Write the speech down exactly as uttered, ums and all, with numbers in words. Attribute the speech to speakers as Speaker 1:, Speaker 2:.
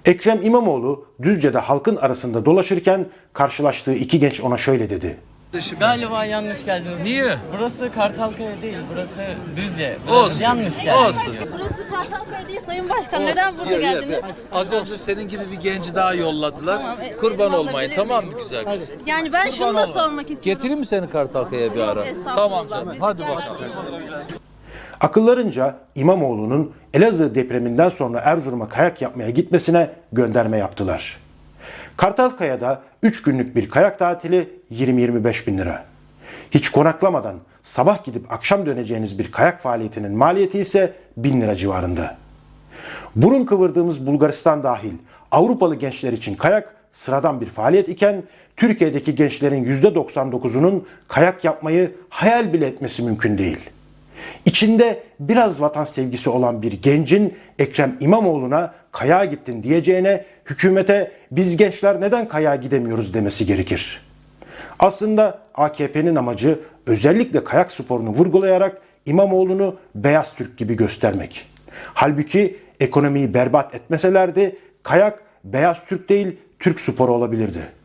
Speaker 1: Ekrem İmamoğlu Düzce'de halkın arasında dolaşırken karşılaştığı iki genç ona şöyle dedi.
Speaker 2: Galiba yanlış geldiniz.
Speaker 3: Niye?
Speaker 2: Burası Kartalkaya değil, burası Düzce. Burası
Speaker 3: Olsun.
Speaker 2: yanlış geldiniz.
Speaker 3: Olsun.
Speaker 4: Burası Kartalkaya değil Sayın Başkan. Neden burada geldiniz?
Speaker 3: Az önce senin gibi bir genci daha yolladılar.
Speaker 4: Tamam, e,
Speaker 3: Kurban
Speaker 4: elma
Speaker 3: olmayın,
Speaker 4: alabilir
Speaker 3: tamam mı
Speaker 4: miyim?
Speaker 3: güzel kız?
Speaker 4: Yani ben şunu da sormak istiyorum.
Speaker 3: Getireyim mi seni Kartalkaya'ya bir ara?
Speaker 4: Yok, estağfurullah.
Speaker 3: Tamam canım.
Speaker 4: Biz
Speaker 3: Hadi
Speaker 4: gerçekten-
Speaker 3: bakalım.
Speaker 1: Akıllarınca İmamoğlu'nun Elazığ depreminden sonra Erzurum'a kayak yapmaya gitmesine gönderme yaptılar. Kartalkaya'da üç günlük bir kayak tatili yirmi yirmi beş bin lira. Hiç konaklamadan sabah gidip akşam döneceğiniz bir kayak faaliyetinin maliyeti ise bin lira civarında. Burun kıvırdığımız Bulgaristan dahil Avrupalı gençler için kayak sıradan bir faaliyet iken Türkiye'deki gençlerin yüzde doksan dokuzunun kayak yapmayı hayal bile etmesi mümkün değil. İçinde biraz vatan sevgisi olan bir gencin Ekrem İmamoğlu'na kayağa gittin diyeceğine hükümete biz gençler neden kayağa gidemiyoruz demesi gerekir. Aslında A K P'nin amacı özellikle kayak sporunu vurgulayarak İmamoğlu'nu beyaz Türk gibi göstermek. Halbuki ekonomiyi berbat etmeselerdi kayak beyaz Türk değil Türk sporu olabilirdi.